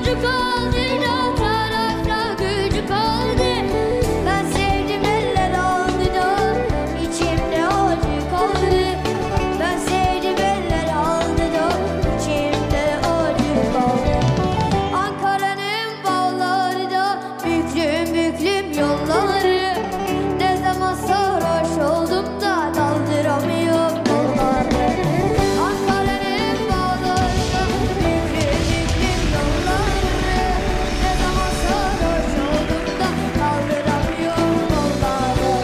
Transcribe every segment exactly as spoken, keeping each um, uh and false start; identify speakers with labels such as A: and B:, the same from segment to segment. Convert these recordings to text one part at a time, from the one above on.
A: gücü kaldı, da tarafta gücü kaldı. Ben sevdim eller aldı da içimde acı kaldı. Ben sevdim eller aldı da içimde acı kaldı. Ankara'nın bağları da büklüm büklüm yolları. Ne zaman sarhoş oldum da daldıramıyorum yolları. Ankara'nın bağları da büklüm büklüm yolları. Ne zaman sarhoş oldum da daldıramıyorum yolları.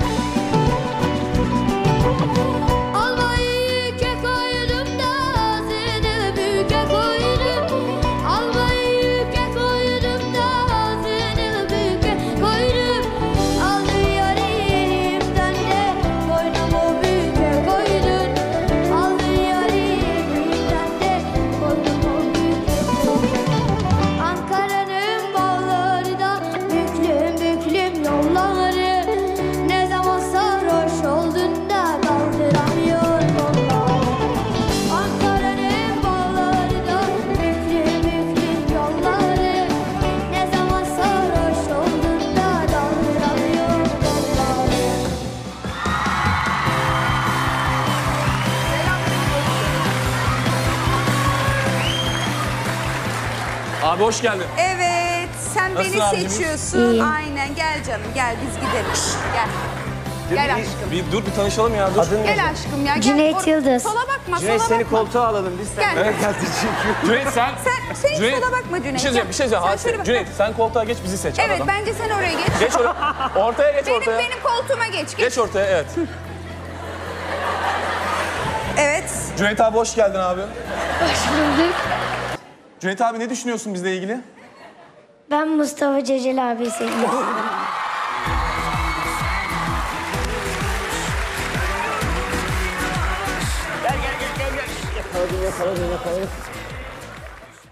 A: Almayı yüke koydum da ağzını büke koydum. Almayı yüke koydum da ağzını büke koydum. Aldı yarı elimden de boynumu büke koydun. Aldı yarı elimden de boynumu büke koydun. Ankara'nın bağları da büklüm büklüm yolları. Ne zaman sarhoş oldun da kaldıramıyor yolları. Ankara'nın bağları da büklüm büklüm yolları. Ne zaman sarhoş oldun da kaldıramıyor yolları.
B: Abi hoş geldin.
C: Evet, sen
B: Nasılsın
C: beni
B: abicim?
C: seçiyorsun.
A: İyiyim.
C: Aynen, gel canım, gel biz gidelim. Gel. Gel aşkım.
B: Bir dur bir tanışalım ya. Dur.
D: Adın ne?
C: Gel aşkım ya. Gel.
A: Cüneyt
C: Or-
A: Yıldız.
C: Sola bakma,
D: Cüneyt
C: sola
D: seni
C: bakma.
D: koltuğa alalım biz. Sen
C: Gel.
D: evet. geldin çünkü.
B: Cüneyt sen...
C: Sen, sen hiç
B: Cüneyt,
C: sola bakma Cüneyt.
B: Bir şey söyleyeceğim, bir şey söyleyeceğim.
C: Sen
B: Hadi,
C: şöyle bak.
B: Cüneyt sen koltuğa geç, bizi seç.
C: Evet,
B: aradan.
C: bence sen oraya geç.
B: Geç oraya. Ortaya geç
C: benim,
B: ortaya.
C: benim koltuğuma geç. Geç.
B: Geç ortaya, evet.
C: Evet.
B: Cüneyt abi hoş geldin abi.
A: Hoş bulduk.
B: Cüneyt abi ne düşünüyorsun bizle ilgili?
A: Ben Mustafa Cecel abi seviyorum.
D: Gel gel gel gel. gel. Yakaladım yakaladım yakaladım.